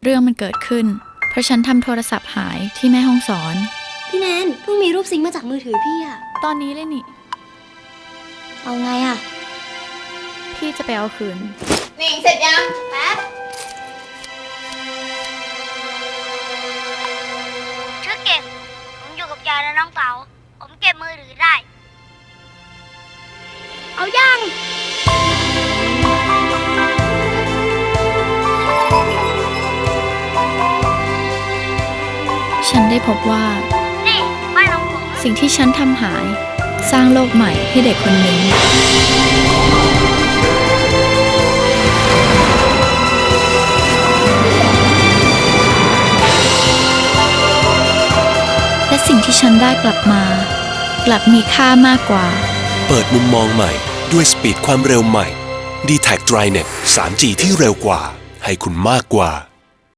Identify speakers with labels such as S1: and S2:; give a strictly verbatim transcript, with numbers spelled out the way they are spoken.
S1: เรื่องมันเกิดขึ้นเพราะฉันทำโทรศัพท์หายที่แม่ห้องสอน
S2: พี่แนนเพิ่งมีรูปซิงค์มาจากมือถือพี่อะ
S1: ตอนนี้เลยนี่
S2: เอาไงอะ
S1: พี่จะไปเอาคืน
S3: นี่เสร็จยังแป๊บ
S4: ชื่อเก็บผมอยู่กับยายและน้องเต๋าผมเก็บมือถือได้เอายัง
S1: ฉันได้พบว่า
S4: นี่บ้านของผม
S1: สิ่งที่ฉันทำหายสร้างโลกใหม่ให้เด็กคนหนึ่งและสิ่งที่ฉันได้กลับมากลับมีค่ามากกว่า
S5: เปิดมุมมองใหม่ด้วยสปีดความเร็วใหม่ ดี แท็ก ไดรเน็ต ทรี จี ที่เร็วกว่าให้คุณมากกว่า